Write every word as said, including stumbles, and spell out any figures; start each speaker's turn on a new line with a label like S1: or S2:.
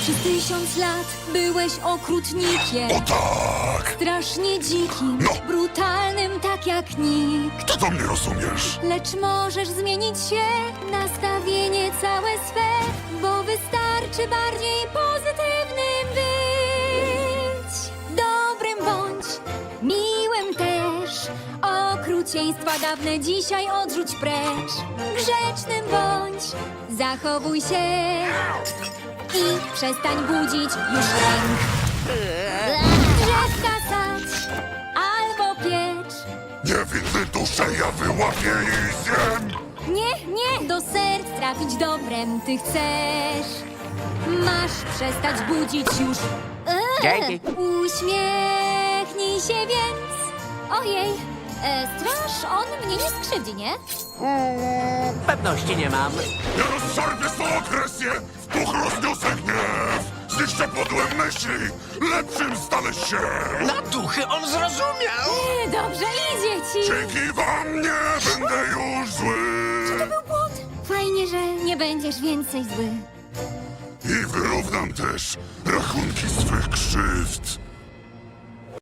S1: Przez tysiąc lat byłeś okrutnikiem.
S2: O tak!
S1: Strasznie dzikim,
S2: No.
S1: brutalnym tak jak nikt.
S2: Ty to mnie rozumiesz.
S1: Lecz możesz zmienić się, nastawienie całe swe, bo wystarczy bardziej pozytywnym być. Dobrym bądź, miłym też. Okrucieństwa dawne dzisiaj odrzuć precz. Grzecznym bądź, zachowuj się i przestań budzić już lęk. Drzewka sadź albo piecz.
S2: Niewinny duszę ja wyłapię i zjem.
S1: Nie, nie, do serc trafić dobrem ty chcesz. Masz przestać budzić już. Eee,
S3: Dzięki.
S1: Uśmiechnij się więc. Ojej, e, straż, on mnie nie skrzywdzi, nie?
S3: Mm, pewności nie mam.
S2: Ja rozszarpię swą agresję, w puch rozniosę gniew. Zniszczę podłe myśli, lepszym stanę się.
S4: Na duchy on zrozumiał!
S1: E, dobrze idzie ci.
S2: Dzięki wam nie będę już zły.
S1: To był błąd. Fajnie, że nie będziesz więcej zły.
S2: I wyrównam też rachunki swych krzywd.